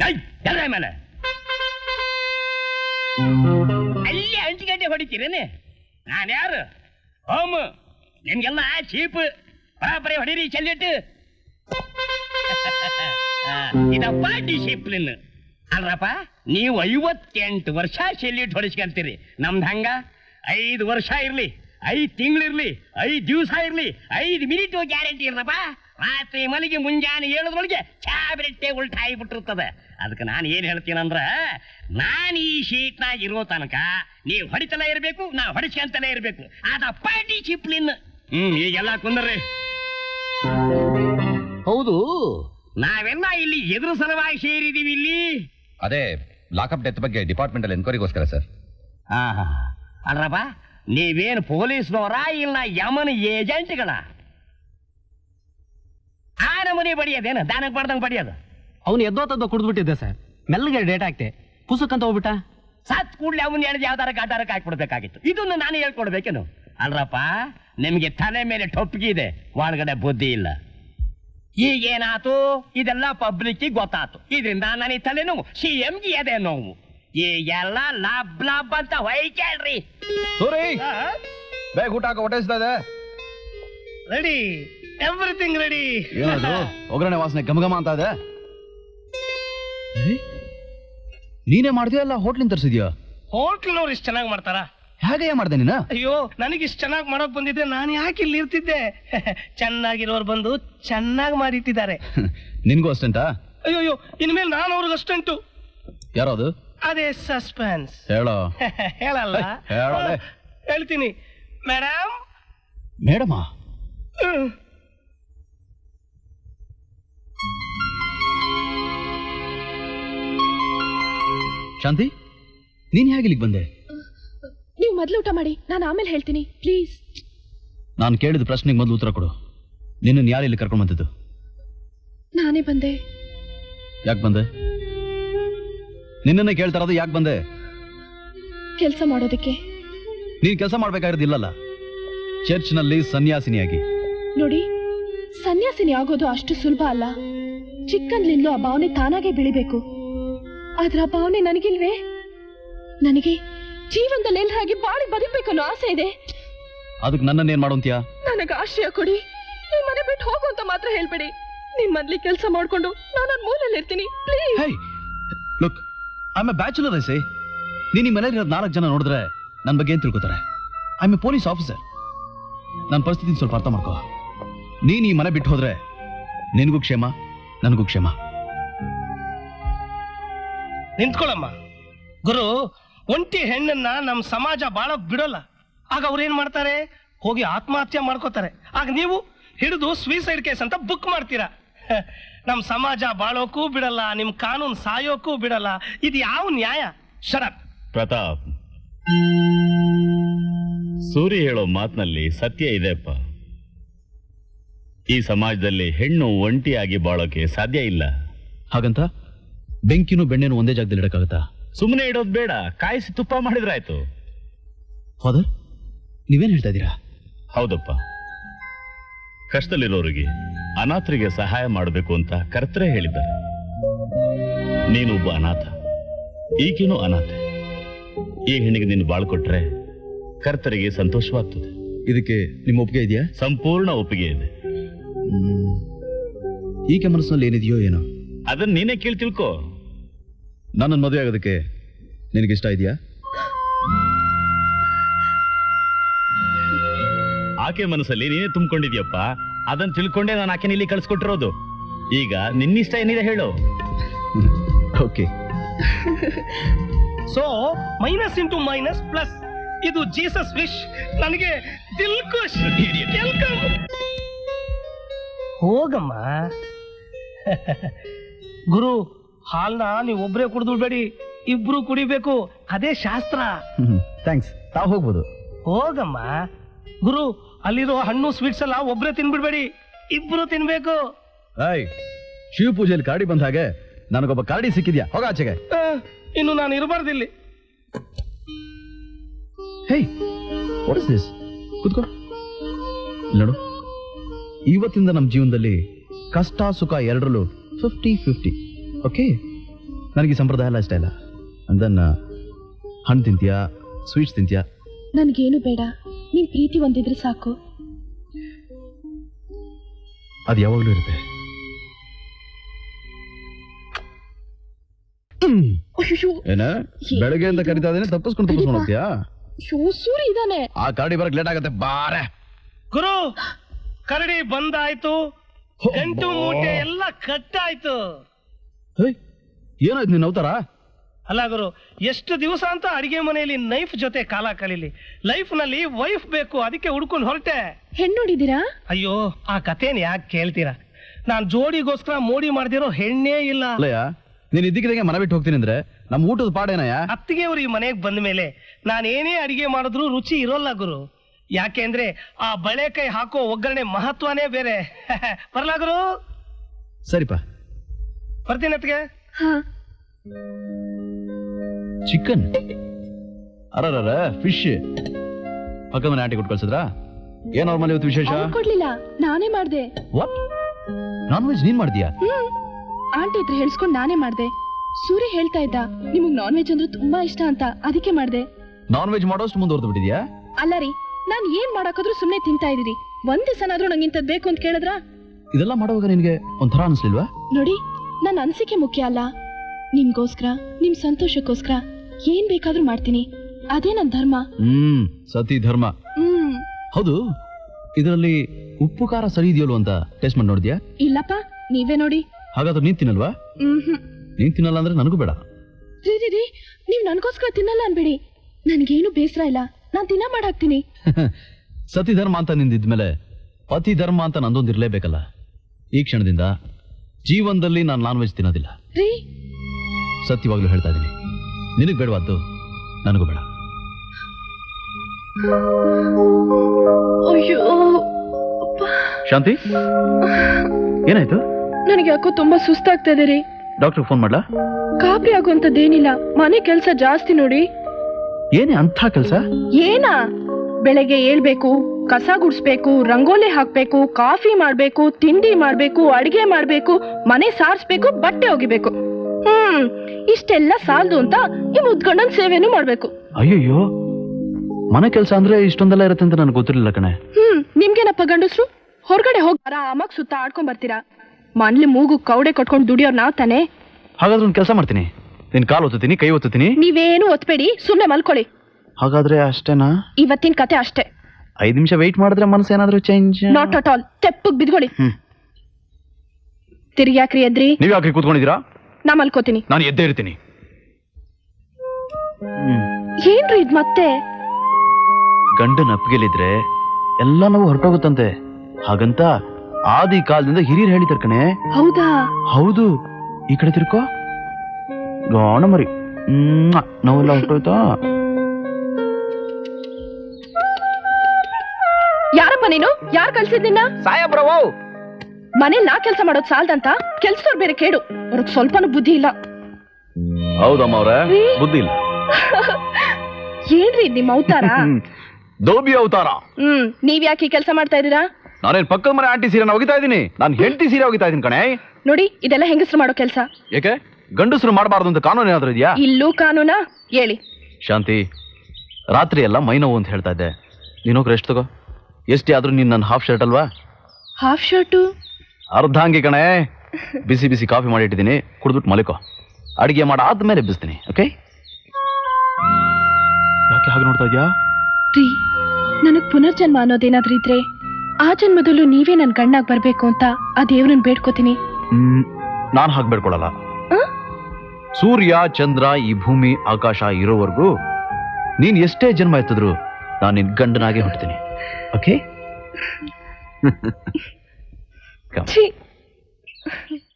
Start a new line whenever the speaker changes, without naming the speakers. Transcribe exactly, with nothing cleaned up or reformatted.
ಎದ್ರ ಮೇಲೆ ಅಲ್ಲಿ ಅಂಚು ಗಂಟೆ ಹೊಡಿತೀರೇನೆ? ನಾನು ಯಾರು? ಹೋಮ್ ನಿಮ್ಗೆಲ್ಲ ಚೀಪ್. ಬರಾಬರಿ ಹೊಡೀರಿ ಚೆಲ್ಲಿಟ್ಟು. ಇದಪ್ಪ ಡಿಸಿಪ್ಲಿನ್ ಅಲ್ರಪ್ಪ. ನೀವು ಐವತ್ತೆಂಟು ವರ್ಷ ಚೆಲ್ಲಿಟ್ಟು ಹೊಡಿಸ್ಕೊಂತೀರಿ. ನಮ್ದು ಹಂಗ ಐದು ವರ್ಷ ಇರ್ಲಿ, ಐದು ತಿಂಗಳಿರ್ಲಿ, ಐದು ದಿವಸ ಇರ್ಲಿ, ಐದು ಮಿನಿಟ್ ಗ್ಯಾರಂಟಿ ಇರ್ಲಪ್ಪ. ರಾತ್ರಿ ಮನೆಗೆ ಮುಂಜಾನೆ ಏಳದ್ರೊಳಗೆ ಚಾಬಿರಟ್ಟೆ ಉಲ್ಟ ಆಗಿಬಿಟ್ಟಿರ್ತದೆ. ಅದಕ್ಕೆ ನಾನು ಏನ್ ಹೇಳ್ತೀನಂದ್ರ, ನಾನು ಈ ಶೀಟ್ನಾಗ ಇರೋ ತನಕ ನೀವು ಹೊಡಿತಲೇ ಇರಬೇಕು, ನಾ ಹೊಡಿಸ್ಕೊಂತಲೇ ಇರಬೇಕು. ಅದಪ್ಪ ಡಿಸಿಪ್ಲಿನ್. ಹ್ಮ್ ಈಗೆಲ್ಲ ಕುಂದ್ರಿ. ಹೌದು, ನಾವೆಲ್ಲ ಇಲ್ಲಿ ಎದುರು ಸಲುವಾಗಿ ಸೇರಿದೀವಿ. ಇಲ್ಲಿ
ಅದೇ ಲಾಕಪ್ ಡೆತ್ ಬಗ್ಗೆ ಡಿಪಾರ್ಟ್ಮೆಂಟ್ ಅಲ್ಲಿ ಎನ್ಕ್ವೈರಿಗೋಸ್ಕರ ಸರ್.
ಹಾ ಹಾ ಅಲ್ರಪ್ಪ, ನೀವೇನು ಪೊಲೀಸ್ನವರ ಇಲ್ಲ ಯಮನ ಏಜೆಂಟ್ಗಳ? ಆ ನಮೂನಿ ಬಡಿಯೋದೇನು ದಾನಕ್ಕೆ ಮಾಡ್ದಂಗೆ ಬಡಿಯೋದು?
ಅವನು ಎದ್ದೋತದ್ದು ಕುಡಿದ್ಬಿಟ್ಟಿದ್ದೆ ಸರ್. ಮೆಲ್ಲಗೆ ಡೇಟ್ ಆಗ್ತೆ ಪುಸ್ತಕಂತ ಹೋಗ್ಬಿಟ್ಟ.
ಸತ್ ಕೂಡ್ಲೆ ಅವನ್ ಎಳ್ದು ಯಾವ್ದಾರ ಗಡ್ಡಾರಕ್ಕೆ ಹಾಕ್ಬಿಡ್ಬೇಕಾಗಿತ್ತು. ಇದನ್ನು ನಾನು ಹೇಳ್ಕೊಡ್ಬೇಕೇನು? ಅಲ್ರಪ್ಪ, ನಿಮ್ಗೆ ತಲೆ ಮೇಲೆ ಟೊಪ್ಪಿಗೆ ಇದೆ, ಒಳಗಡೆ ಬುದ್ಧಿ ಇಲ್ಲ. ಈಗೇನಾತು? ಇದೆಲ್ಲ ಪಬ್ಲಿಕ್ ಗೊತ್ತಾತು. ಇದರಿಂದ ನನಗೆ ತಲೆ ನೋವು, ಸಿ ಎಂಗೆ ಅದೇ ನೋವು. ಈಗೆಲ್ಲ ಲಾಬ್ ಲಾಬ್ ಅಂತ ಹೊಯ್ಕೇಳ್ರಿ.
ಬೇಗ ಊಟ ಹಾಕೋ, ಹೊಟ್ಟೆ ಇದೆ.
Ready, everything ready.
ಏನದು ಒಗ್ಗರಣೆ ವಾಸನೆ ಗಮಗಮ ಅಂತ ಇದೆ? ನೀನೇ ಮಾಡ್ತೀಯಲ್ಲ, ಹೋಟ್ಲಿಂದ ತರಿಸಿದ್ಯಾ?
ಹೋಟ್ಲ್ನವ್ರು ಇಷ್ಟು ಚೆನ್ನಾಗಿ ಮಾಡ್ತಾರ?
ಹೇಗೆ ಮಾಡ್ದೆ ನೀನು?
ಅಯ್ಯೋ, ನನಗೆ ಇಷ್ಟು ಚೆನ್ನಾಗಿ ಮಾಡೋಕ್ ಬಂದಿದ್ದೆ, ನಾನು ಯಾಕೆ ಇಲ್ಲಿ ಇರ್ತಿದ್ದೆ? ಚೆನ್ನಾಗಿರೋರು ಬಂದು ಚೆನ್ನಾಗಿ ಮಾಡಿಟ್ಟಿದ್ದಾರೆ.
ನಿನ್ಗೂ ಅಷ್ಟಂಟಾ?
ಅಯ್ಯೋ ಅಯ್ಯೋ, ಇನ್ಮೇಲೆ ನಾನು ಅವ್ರಿಗೆ ಅಷ್ಟಂಟು.
ಯಾರದು?
ಅದೇ ಸಸ್ಪೆನ್ಸ್.
ಹೇಳೋ.
ಹೇಳಲ್ಲ? ಹೇಳ್ತೀನಿ ಮೇಡಮ್.
ಮೇಡಮ? ಶಾಂತಿ, ನೀನ್ ಹೇಗೆ ಇಲ್ಲಿಗೆ ಬಂದೆ?
ನೀವು ಮೊದಲು ಊಟ ಮಾಡಿ, ನಾನು ಆಮೇಲೆ ಹೇಳ್ತೀನಿ ಪ್ಲೀಸ್.
ನಾನು ಕೇಳಿದ ಪ್ರಶ್ನೆಗೆ ಮೊದಲು ಉತ್ತರ ಕೊಡು. ನಿನ್ನನ್ನು ಯಾರು ಇಲ್ಲಿ ಕರ್ಕೊಂಡು ಬಂದಿದ್ದು?
ನಾನೇ ಬಂದೆ.
ಯಾಕೆ ಬಂದೆ? ನಿನ್ನನ್ನೇ ಕೇಳ್ತಾರದು, ಯಾಕೆ ಬಂದೆ?
ಕೆಲಸ ಮಾಡೋದಕ್ಕೆ.
ನೀನ್ ಕೆಲಸ ಮಾಡ್ಬೇಕಾಗಿರೋದಿಲ್ಲಲ್ಲ, ಚರ್ಚ್ನಲ್ಲಿ ಸನ್ಯಾಸಿನಿಯಾಗಿ.
ನೋಡಿ, ಸನ್ಯಾಸಿನಿ ಆಗೋದು ಅಷ್ಟು ಸುಲಭ ಅಲ್ಲ. ಚಿಕ್ಕಂದ್ಲಿಂದಲೂ ಆ ಭಾವನೆ ತಾನಾಗೆ ಬೆಳಿಬೇಕು. ಆದ್ರ ಆ ಭಾವನೆ ನನಗಿಲ್ವೇ? ನನಗೆ ಜೀವನದಲ್ಲಿ ಎಲ್ಲರಾಗಿ ಬಾಳಿ ಬದುಕಬೇಕು ಅನ್ನೋ ಆಸೆ ಇದೆ.
ಅದಕ್ಕೆ ನನ್ನನ್ನೇನ್ ಮಾಡೋಂತೀಯ?
ನನಗೆ ಆಶ್ರಯ ಕೊಡಿ. ನಿಮ್ ಮನೆ ಬಿಟ್ಟು ಹೋಗು ಅಂತ ಮಾತ್ರ ಹೇಳ್ಬೇಡಿ. ನಿಮ್ ಮದ್ಲಿ ಕೆಲಸ ಮಾಡ್ಕೊಂಡು ನಾನು ಮೂಲೆಯಲ್ಲಿ ಇರ್ತೀನಿ please.
Hey look, I am a bachelor. ಐಸೆ ನೀನ್ ಈ ಮನೇಲಿ ಇರೋದು ನಾಲ್ಕು ಜನ ನೋಡಿದ್ರೆ ನನ್ನ ಬಗ್ಗೆ ಏನ್ ತಿಳ್ಕೊತಾರೆ? I am a police officer. ನನ್ನ ಪರಿಸ್ಥಿತಿನ ಸ್ವಲ್ಪ ಅರ್ಥ ಮಾಡ್ಕೋ. ನೀನ್ ಈ ಮನೆ ಬಿಟ್ಟು ಹೋದ್ರೆ ನಿನಗೂ ಕ್ಷೇಮ, ನನಗೂ ಕ್ಷೇಮ.
ನಿಂತ್ಕೊಳ್ಳಮ್ಮ. ಗುರು, ಒಂಟಿ ಹೆಣ್ಣನ್ನ ನಮ್ಮ ಸಮಾಜ ಬಾಳಕ್ ಬಿಡೋಲ್ಲ. ಆಗ ಅವ್ರೇನ್ ಮಾಡ್ತಾರೆ? ಹೋಗಿ ಆತ್ಮಹತ್ಯೆ ಮಾಡ್ಕೋತಾರೆ. ಆಗ ನೀವು ಹಿಡಿದು ಸ್ವೀಸೈಡ್ ಕೇಸ್ ಅಂತ ಬುಕ್ ಮಾಡ್ತೀರಾ. ನಮ್ಮ ಸಮಾಜ ಬಾಳೋಕ್ಕೂ ಬಿಡಲ್ಲ, ನಿಮ್ ಕಾನೂನು ಸಾಯೋಕ್ಕೂ ಬಿಡಲ್ಲ. ಇದು ಯಾವ ನ್ಯಾಯ? ಶರತ್
ಪ್ರತಾಪ್, ಸೂರಿ ಹೇಳೋ ಮಾತಿನಲ್ಲಿ ಸತ್ಯ ಇದೆಪ್ಪ. ಈ ಸಮಾಜದಲ್ಲಿ ಹೆಣ್ಣು ಒಂಟಿಯಾಗಿ ಬಾಳೋಕೆ ಸಾಧ್ಯ ಇಲ್ಲ.
ಹಾಗಂತ ಬೆಂಕಿನೂ ಬೆಣ್ಣೆನೂ ಒಂದೇ ಜಾಗದಲ್ಲಿ ಇಡಕ್ಕಾಗತ್ತಾ?
ಸುಮ್ಮನೆ ಇಡೋದು ಬೇಡ, ಕಾಯಿಸಿ ತುಪ್ಪ ಮಾಡಿದ್ರಾಯ್ತು.
ಫಾದರ್, ನೀವೇನ್ ಹೇಳ್ತಾ ಇದ್ದೀರಾ?
ಹೌದಪ್ಪ, ಕಷ್ಟದಲ್ಲಿರೋರಿಗೆ, ಅನಾಥರಿಗೆ ಸಹಾಯ ಮಾಡಬೇಕು ಅಂತ ಕರ್ತರೇ ಹೇಳಿದ್ದಾರೆ. ನೀನೊಬ್ಬ ಅನಾಥ, ಈಗಿನೂ ಅನಾಥೆ. ಈ ಹೆಣ್ಣಿಗೆ ನೀನು ಬಾಳ್ಕೊಟ್ರೆ ಕರ್ತರಿಗೆ ಸಂತೋಷವಾಗ್ತದೆ.
ಇದಕ್ಕೆ ನಿಮ್ಮ ಒಪ್ಪಿಗೆ ಇದೆಯಾ?
ಸಂಪೂರ್ಣ ಒಪ್ಪಿಗೆ ಇದೆ.
ಈಕೆ ಮನಸ್ಸಿನಲ್ಲಿ ಏನಿದೆಯೋ ಏನೋ,
ಅದನ್ನ ನೀನೇ ಕೇಳಿ ತಿಳ್ಕೋ.
ನನ್ನ ಮದುವೆ ಆಗೋದಕ್ಕೆ ನಿನಗಿಷ್ಟ ಇದೆಯಾ?
ಆಕೆ ಮನಸ್ಸಲ್ಲಿ ನೀನೇ ತುಂಬಿಕೊಂಡಿದ್ಯಪ್ಪ. ಅದನ್ನ ತಿಳ್ಕೊಂಡೇ ನಾನು ಆಕೆನ ಇಲ್ಲಿ ಕಳ್ಸಿಕೊಟ್ಟಿರೋದು. ಈಗ ನಿನ್ನಿಷ್ಟ ಏನಿದೆ ಹೇಳು.
Okay.
So minus into minus plus. ಇದು ಜೀಸಸ್ ವಿಶ್. ನನಗೆ ದಿಲ್ ಖುಷ್. ವೆಲ್ಕಮ್. ಹೋಗಮ್ಮ. ಗುರು, ಹಾಲ್ನ ನೀವು ಒಬ್ರೇ ಕುಡಿದ್ಬಿಡ್ಬೇಡಿ, ಇಬ್ರು ಕುಡಿಬೇಕು. ಅದೇ ಶಾಸ್ತ್ರ.
ಥ್ಯಾಂಕ್ಸ್, ತಾವು ಹೋಗ್ಬೋದು.
ಹೋಗಮ್ಮ. ಗುರು, ಅಲ್ಲಿರೋ ಹಣ್ಣು ಸ್ವೀಟ್ಸ್ ಎಲ್ಲ ಒಬ್ರೇ ತಿನ್ಬಿಡ್ಬೇಡಿ, ಇಬ್ರು ತಿನ್ಬೇಕು.
ಹಾಯ್, ಶಿವ ಪೂಜೆಯಲ್ಲಿ ಕರಡಿ ಬಂದ ಹಾಗೆ ನನಗೊಬ್ಬ ಕರಡಿ ಸಿಕ್ಕಿದ್ಯಾ? ಹೋಗ ಆಚೆಗೆ.
ಇನ್ನು ನಾನು ಇರಬಾರ್ದಿಲ್ಲಿ.
Hey, what is this? ಕೂತ್ಕೋ. ನೋಡು, ಇವತ್ತಿಂದ ನಮ್ಮ ಜೀವನದಲ್ಲಿ ಕಷ್ಟ ಸುಖ ಎರಡರಲ್ಲೂ ಫಿಫ್ಟಿ ಫಿಫ್ಟಿ. ಓಕೆ? ನನಗೆ ಈ ಸಂಪ್ರದಾಯ ಎಲ್ಲ ಇಷ್ಟ ಇಲ್ಲ. ಅಂದನ್ನ ಹಣ್ಣು ತಿಂತೀಯಾ, ಸ್ವೀಟ್ಸ್ ತಿಂತೀಯಾ?
ನನ್ಗೇನು ಬೇಡ, ನಿನ್ ಪ್ರೀತಿ ಒಂದಿದ್ರೆ ಸಾಕು.
ಅದು ಯಾವಾಗಲೂ ಇರುತ್ತೆ.
ಅಯ್ಯೋ,
ಏನ ಬೆಳಗ್ಗೆಯಿಂದ ಕರಿತಾ ಇದ್ದೇನೆ, ತಪ್ಪಿಸ್ಕೊಂಡು ತಪ್ಪಿಸ್ಕೊಂಡು ಹೋಗ್ತೀಯಾ?
ಅಯ್ಯೋ, ಸೂರಿ ಇದಾನೆ.
ಆ ಕರಡಿ ಬರಕ್ ಲೇಟ್ ಆಗತ್ತೆ, ಬಾರೆ.
ಗುರು, ಕರಡಿ ಬಂದಾಯ್ತು, ಗಂಟು ಮೂಟೆ ಎಲ್ಲ ಕಟ್ಟಾಯ್ತು.
ಹೇಯ್, ಏನಾಯ್ತು ನಿನ್ನ ಅವತಾರ?
ಅಲ್ಲ ಗುರು, ಎಷ್ಟು ದಿವಸ ಅಂತ ಅಡಿಗೆ ಮನೆಯಲ್ಲಿ ನೈಫ್ ಜೊತೆ ಕಾಲ ಕಳೀಲಿ. ಲೈಫ್ ನಲ್ಲಿ ವೈಫ್ ಬೇಕು, ಅದಕ್ಕೆ ಹುಡ್ಕೊಂಡು ಹೊರಟೆ.
ಹೆಣ್ಣು ನೋಡಿದೀರಾ?
ಅಯ್ಯೋ, ಆ ಕಥೆನ ಯಾಕೆ ಕೇಳ್ತೀರಾ? ನಾನ್ ಜೋಡಿಗೋಸ್ಕರ ಮೋಡಿ ಮಾಡ್ದಿರೋ ಹೆಣ್ಣೇ ಇಲ್ಲ.
ಅಲ್ಲಯ್ಯ, ನೀನ್ ಇದ್ದಕ್ಕಿದಂಗೆ ಮನೆ ಬಿಟ್ಟು ಹೋಗ್ತೀನಿ ಅಂದ್ರೆ ನಮ್ಮ ಊಟದ ಪಾಡೇನಯ್ಯ?
ಅತ್ತಿಗೆ ಅವ್ರು ಈ ಮನೆಗೆ ಬಂದ ಮೇಲೆ ನಾನೇನೇ ಅಡಿಗೆ ಮಾಡಿದ್ರು ರುಚಿ ಇರೋಲ್ಲ ಗುರು. ಯಾಕೆಂದ್ರೆ ಆ ಬಳೆಕೈ ಹಾಕೋ ಒಗ್ಗರಣೆ ಮಹತ್ವನೇ ಬೇರೆ. ಬರ್ಲಾ ಗುರು?
ಸರಿಪಾ,
ಬರ್ತೀನಿ ಅತ್ತಿಗೆ.
ಹಾ,
ಚಿಕನ್, ಅರರ ಫಿಶ್. ಪಕ್ಕದ ಮನೆ ಆಂಟಿ ಕೊಟ್ಟು ಕಳ್ಸಿದ್ರಾ? ಏನ್ ಅವ್ರ ಮನೆ ಇವತ್ತು ವಿಶೇಷ?
ಅವ್ರು ಕೊಡ್ಲಿಲ್ಲ, ನಾನೇ ಮಾಡ್ದೆ.
ವಾಟ್? ನಾನ್ ವೆಜ್ ನೀನ್ ಮಾಡ್ತೀಯಾ?
ಹ್ಮ್, ಆಂಟಿ ಹತ್ರ ಹೇಳ್ಸ್ಕೊಂಡ್ ನಾನೇ ಮಾಡ್ದೆ. ಸೂರ್ಯ ಹೇಳ್ತಾ ಇದ್ದ ನಿಮಗ್ ನಾನ್ ವೆಜ್ ಅಂದ್ರೆ ತುಂಬಾ ಇಷ್ಟ ಅಂತ, ಅದಕ್ಕೆ ಮಾಡ್ದೆ.
ನಾನ್ ವೆಜ್ ಮಾಡೋಷ್ಟು ಮುಂದುವರೆದು ಬಿಟ್ಟಿದ್ಯಾ?
ಅಲ್ಲ ರೀ, ನಾನ್ ಏನ್ ಮಾಡಾಕಾದ್ರೂ ಸುಮ್ನೆ ತಿಂತಾ ಇದೀರಿ. ಒಂದ್ ದಿವಸನಾದ್ರೂ ನಂಗೆ ಇಂಥದ್ ಬೇಕು ಅಂತ ಕೇಳಿದ್ರ?
ಇದೆಲ್ಲ ಮಾಡುವಾಗ ನಿನ್ಗೆ ಒಂಥರ ಅನ್ಸ್ಲಿಲ್ವಾ?
ನೋಡಿ, ನನ್ನ ಅನ್ಸಿಕೆ ಮುಖ್ಯ ಅಲ್ಲ. ನಿಮ್ಗೋಸ್ಕರ, ನಿಮ್ ಸಂತೋಷಕ್ಕೋಸ್ಕರ ಏನ್ ಬೇಕಾದ್ರೂ ಮಾಡ್ತೀನಿ. ಅದೇ ನನ್ ಧರ್ಮ.
ಹ್ಮ್, ಸತಿ ಧರ್ಮ.
ಹ್ಮ್.
ಹೌದು, ಇದರಲ್ಲಿ ಉಪ್ಪು ಖಾರ ಸರಿ ಇದೆಯಲ್ಲ ಅಂತ ಟೇಸ್ಟ್ ಮಾಡಿ ನೋಡಿದ್ಯಾ?
ಇಲ್ಲಪ್ಪ, ನೀವೇ ನೋಡಿ.
ಹಾಗಾದ್ರೆ ನೀನ್ ತಿನ್ನಲ್ವಾ?
ಹ್ಮ್ ಹ್ಮ್.
ನೀನ್ ತಿನ್ನಲ್ಲ ಅಂದ್ರೆ ನನಗೂ ಬೇಡ.
ರೀ ರೀ ರೀ, ನೀವ್ ನನ್ಗೋಸ್ಕರ ತಿನ್ನಲ್ಲ ಅನ್ಬೇಡಿ. ನನ್ಗೇನು ಬೇಸರ ಇಲ್ಲ, ನಾನ್ ತಿನ್ನ ಮಾಡಾಕ್ತೀನಿ.
ಸತಿ ಧರ್ಮ ಅಂತ ನಿಂದಿದ್ಮೇಲೆ ಪತಿ ಧರ್ಮ ಅಂತ ನಂದೊಂದಿರ್ಲೇಬೇಕಲ್ಲ. ಈ ಕ್ಷಣದಿಂದ ಜೀವನದಲ್ಲಿ ನಾನು ನಾನ್ ವೆಜ್ ತಿನ್ನೋದಿಲ್ಲ.
ರೀ,
ಸತ್ಯವಾಗ್ಲೂ ಹೇಳ್ತಾ ಇದ್ದೀನಿ, ನಿನಗ್ ಬೇಡವಾದ್ದು ನನಗೂ ಬೇಡ.
ಅಯ್ಯೋ,
ಶಾಂತಿ, ಏನಾಯ್ತು?
ನನಗೆ ಯಾಕೋ ತುಂಬಾ ಸುಸ್ತಾಗ್ತಾ ಇದೆ ರೀ.
ಡಾಕ್ಟರ್ ಫೋನ್ ಮಾಡ್ಲಾ?
ಗಾಬರಿ ಆಗುವಂತದ್ದೇನಿಲ್ಲ, ಮನೆ ಕೆಲ್ಸ ಜಾಸ್ತಿ ನೋಡಿ.
ಏನೇ ಅಂಥ ಕೆಲಸ?
ಏನಾ? ಬೆಳಗ್ಗೆ ಏಳ್ಬೇಕು, ಕಸ ಗುಡಿಸ್ಬೇಕು, ರಂಗೋಲಿ ಹಾಕ್ಬೇಕು, ಕಾಫಿ ಮಾಡ್ಬೇಕು, ತಿಂಡಿ ಮಾಡ್ಬೇಕು, ಅಡಿಗೆ ಮಾಡ್ಬೇಕು, ಮನೆ ಸಾರಿಸ್ಬೇಕು, ಬಟ್ಟೆ ಒಗಿಬೇಕು. ಹ್ಮ್, ಇಷ್ಟೆಲ್ಲ ಸಾಲದು ಅಂತ ಈ ಮುದ್ಗಂಡನ್ ಸೇವೆನೂ ಮಾಡ್ಬೇಕು.
ಅಯ್ಯಯ್ಯೋ, ಮನೆ ಕೆಲಸ ಅಂದ್ರೆ ಇಷ್ಟೊಂದೆಲ್ಲ ಇರುತ್ತೆ ಅಂತ ನನಗೆ ಗೊತ್ತಿರಲಿಲ್ಲ ಕಣೆ.
ಹ್ಮ್, ನಿಮ್ಗೇನಪ್ಪ ಗಂಡಸ್ರು? ಹೊರಗಡೆ ಹೋಗಿ ಆರಾಮಾಗಿ ಸುತ್ತ ಆಡ್ಕೊಂಡ್ ಬರ್ತೀರಾ. ಮನ್ಲಿ ಮೂಗು ಕೌಡೆ ಕಟ್ಕೊಂಡು ದುಡಿಯೋರ್ ನಾವ್ ತಾನೆ.
ಹಾಗಾದ್ರೆ ಒಂದು ಕೆಲಸ ಮಾಡ್ತೀನಿ, ನಿನ್ ಕಾಲು ಒತ್ತುತ್ತೀನಿ, ಕೈ ಒತ್ತುತ್ತೀನಿ.
ನೀವೇನು ಒತ್ಬೇಡಿ, ಸುಮ್ನೆ ಮಲ್ಕೊಳ್ಳಿ.
ಹಾಗಾದ್ರೆ ಅಷ್ಟೇನಾ?
ಇವತ್ತಿನ ಕತೆ ಅಷ್ಟೇ.
ಐದ್ ನಿಮಿಷ ವೆಯ್ಟ್ ಮಾಡಿದ್ರೆ ಮನಸ್ಸು ಏನಾದ್ರೂ ಚೇಂಜ್?
Not at all. ತೆಪ್ಪಗ್ ಬಿದ್ಕೊಳ್ಳಿ.
ಹ್ಮ್.
ತಿರ್ಗಿ ಯಾಕ್ರಿ ಎದ್ರಿ?
ನೀವ್ ಯಾಕ್ರಿ ಕೂತ್ಕೊಂಡಿದ್ದೀರಾ?
ನಾ ಮಲ್ಕೋತೀನಿ.
ನಾನು ಎದ್ದೇ ಇರ್ತೀನಿ.
ಏನ್ರಿ ಇದ್ ಮತ್ತೆ?
ಗಂಡನ ಅಪ್ಪಿಗೆಲಿದ್ರೆ ಎಲ್ಲ ನಾವು ಹೊರಟೋಗುತ್ತಂತೆ. ಹಾಗಂತ ಆದಿ ಕಾಲದಿಂದ ಹಿರಿಯರು ಹೇಳಿದಾರೆ ಕಣೆ.
ಹೌದಾ?
ಹೌದು. ಈ ಕಡೆ ತಿರ್ಕೋ. ಗಾಣ ಮರಿ. ಹ್ಮ್, ನಾವೆಲ್ಲ ಹೊರಟೋಯ್ತಾ?
ಯಾರಪ್ಪ ನೀನು? ಯಾರ್ ಕಳ್ಸಿದ್ ನಿನ್ನ?
ಸಾಯಬ್ರವೋ,
ಮನೇಲಿ ನಾ ಕೆಲ್ಸ ಮಾಡೋದ್ ಸಾಲ್ದಂತ ಕೆಲ್ಸದವ್ರು ಬೇರೆ ಕೇಡು. ಅವ್ರಿಗೆ ಸ್ವಲ್ಪನೂ ಬುದ್ಧಿ ಇಲ್ಲ.
ಹೌದಮ್ಮ ಅವ್ರೆ, ಬುದ್ಧಿ ಇಲ್ಲ.
ಏನ್ರಿ ಇದ್ ನಿಮ್ ಅವತಾರ?
ದೋಬಿ ಅವತಾರ.
ಹ್ಮ್, ನೀವ್ ಯಾಕೆ ಈ ಕೆಲ್ಸ ಮಾಡ್ತಾ ಇದೀರಾ?
ನಾನೇನ್ ಪಕ್ಕದ ಮನೆ ಆಂಟಿ ಸೀರೆನ ಒಗಿತಾ ಇದೀನಿ? ನಾನು ಹೆಂಡತಿ ಸೀರೆ ಒಗಿತಾ ಇದೀನಿ ಕಣೆ.
ನೋಡಿ, ಇದೆಲ್ಲ ಹೆಂಗಸ್ರು ಮಾಡೋ ಕೆಲ್ಸ.
ಏಕೆ ಗಂಡಸರು ಮಾಡಬಾರ್ದು ಅಂತ ಕಾನೂನು ಏನಾದ್ರೂ ಇದೆಯಾ?
ಇಲ್ಲೂ ಕಾನೂನಾ? ಹೇಳಿ.
ಶಾಂತಿ, ರಾತ್ರಿ ಎಲ್ಲ ಮೈ ನೋವು ಅಂತ ಹೇಳ್ತಾ ಇದ್ದೆ. ನೀನೋಗಿ ರೆಸ್ಟ್ ತಗೋ. ಎಷ್ಟೇ ಆದ್ರೂ ನೀನ್ ನನ್ನ ಹಾಫ್ ಶರ್ಟ್ ಅಲ್ವಾ?
Half shirt?
ಅರ್ಧಾಂಗಿ ಕಣೆ. ಬಿಸಿ ಬಿಸಿ ಕಾಫಿ ಮಾಡಿ ಇಟ್ಟಿದ್ದೀನಿ, ಕುಡಿದ್ಬಿಟ್ಟು ಮಲಿಕೋ. ಅಡಿಗೆ ಮಾಡಾದ್ಮೇಲೆ ಎಬ್ಬಿಸ್ತೀನಿ, ಓಕೆ? ಯಾಕೆ ಹಾಗೆ ನೋಡ್ತಾ ಇದ್ಯಾ?
ರೀ, ನನಗ್ ಪುನರ್ಜನ್ಮ ಅನ್ನೋದೇನಾದ್ರೂ ಇದ್ರೆ ಆ ಜನ್ಮದಲ್ಲೂ ನೀವೇ ನನ್ ಗಂಡಾಗ್ ಬರ್ಬೇಕು ಅಂತ ಆ ದೇವ್ರನ್ ಬೇಡ್ಕೋತೀನಿ.
ಹ್ಮ್, ನಾನ್ ಹಾಗೆ ಬೇಡ್ಕೊಳಲ್ಲ. ಸೂರ್ಯ ಚಂದ್ರ ಈ ಭೂಮಿ ಆಕಾಶ ಇರೋವರೆಗೂ ನೀನ್ ಎಷ್ಟೇ ಜನ್ಮ ಎತ್ತಿದ್ರು ನಾನು ನಿನ್ ಗಂಡನಾಗೆ ಹುಡ್ತೀನಿ, ಓಕೆ?